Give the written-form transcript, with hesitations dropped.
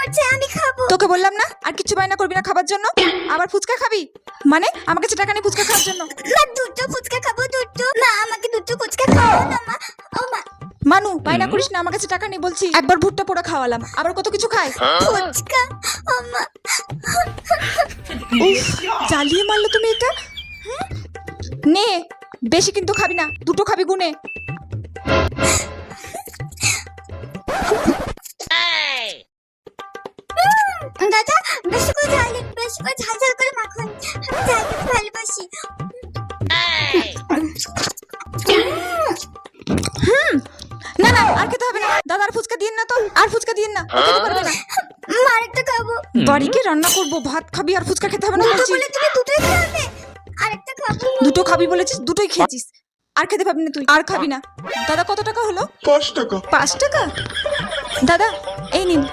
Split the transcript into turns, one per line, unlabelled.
করছে, আমি খাবো।
তোকে বললাম না আর কিছু বায়না করবি না খাবার জন্য। আবার ফুচকা খাবি মানে আমার কাছে টাকা নেই ফুচকা খাওয়ার জন্য।
মা দুটো ফুচকা খাবো, দুটো। মা আমাকে দুটো ফুচকা খাও না মা। ও মা,
মানু বায়না করিস না, আমার কাছে টাকা নেই বলছি। একবার ভুট্টা পোড়া খাওয়ালাম, আবার কত কিছু খায়।
ফুচকা। ও মা,
উফ, জ্বালিয়ে মারলো তুমি এটা। নে, বেশি কিন্তু খাবি না, দুটো খাবি গুনে।
দাদা বেশি করে ঝাল, বেশি করে ঝাল ঝাল করে মাখন। আমি ঝাল খেতে ভালোবাসি।
না না, আর খেতে হবে না দাদা, আর ফুচকা দিন না তো, আর ফুচকা দিন না, ও খেতে পারবে না।
মা আরেকটা খাবো।
বাড়ি গিয়ে রান্না করবো, ভাত খাবি আর ফুচকা খেতে হবে না
দুটো
বলছি।
বলে তুমি দুটোই খাবে। আরেকটা খাবো।
দুটো খাবি বলেছিস, দুটোই খেয়েছিস, আর খেতে পাবি না তুই, আর খাবি না। দাদা কত টাকা হলো?
5 টাকা।
5 টাকা? দাদা এই নিন